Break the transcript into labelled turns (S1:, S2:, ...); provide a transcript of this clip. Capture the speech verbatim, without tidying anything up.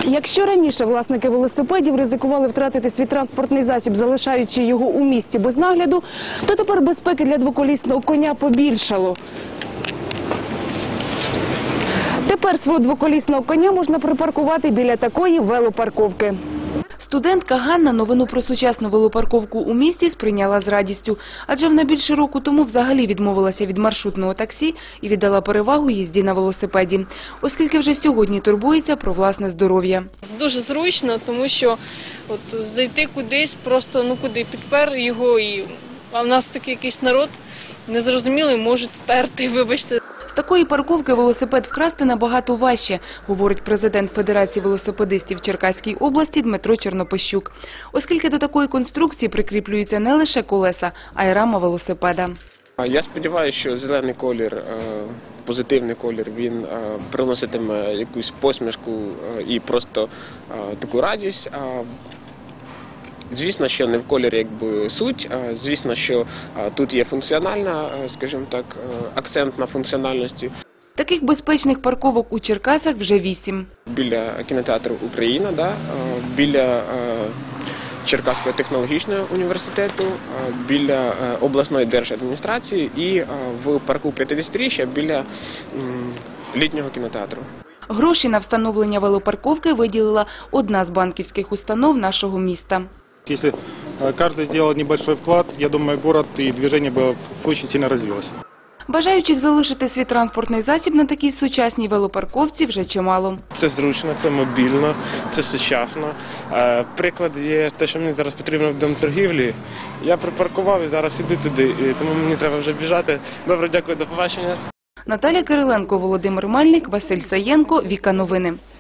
S1: Якщо раніше власники велосипедів ризикували втратити свій транспортний засіб, залишаючи його у місті без нагляду, то тепер безпеки для двоколісного коня побільшало. Тепер свого двоколісного коня можна припаркувати біля такої велопарковки. Студентка Ганна новину про сучасну велопарковку у місті сприйняла з радістю, адже вона більше року тому взагалі відмовилася від маршрутного таксі і віддала перевагу їзді на велосипеді, оскільки вже сьогодні турбується про власне здоров'я.
S2: Дуже зручно, тому що от зайти кудись, просто ну куди підпер його, і а в нас такий якийсь народ незрозумілий, можуть сперти, вибачте.
S1: З такої парковки велосипед вкрасти набагато важче, говорить президент Федерації велосипедистів Черкаської області Дмитро Чорнопищук, оскільки до такої конструкції прикріплюються не лише колеса, а й рама велосипеда.
S3: Я сподіваюся, що зелений колір, позитивний колір, він приноситиме якусь посмішку і просто таку радість. Звісно, що не в кольорі якби суть, звісно, що тут є функціональна, скажімо так, акцент на функціональності.
S1: Таких безпечних парковок у Черкасах вже вісім.
S3: Біля кінотеатру «Україна», да, біля Черкаського технологічного університету, біля обласної держадміністрації і в парку п'ятдесятиріччя біля літнього кінотеатру.
S1: Гроші на встановлення велопарковки виділила одна з банківських установ нашого міста.
S4: Если каждый сделал небольшой вклад, я думаю, город и движение бы очень сильно развилось.
S1: Бажаючих залишити свій транспортний засіб на такій сучасній велопарковці вже чимало.
S5: Це зручно, це мобільно, це сучасно. Приклад є те, що мені зараз потрібно в домторгівлі. Я припаркував і зараз іду туди, тому мені треба вже біжати. Добре, дякую, до побачення.
S1: Наталя Кириленко, Володимир Мельник, Василь Саєнко, Віка Новини.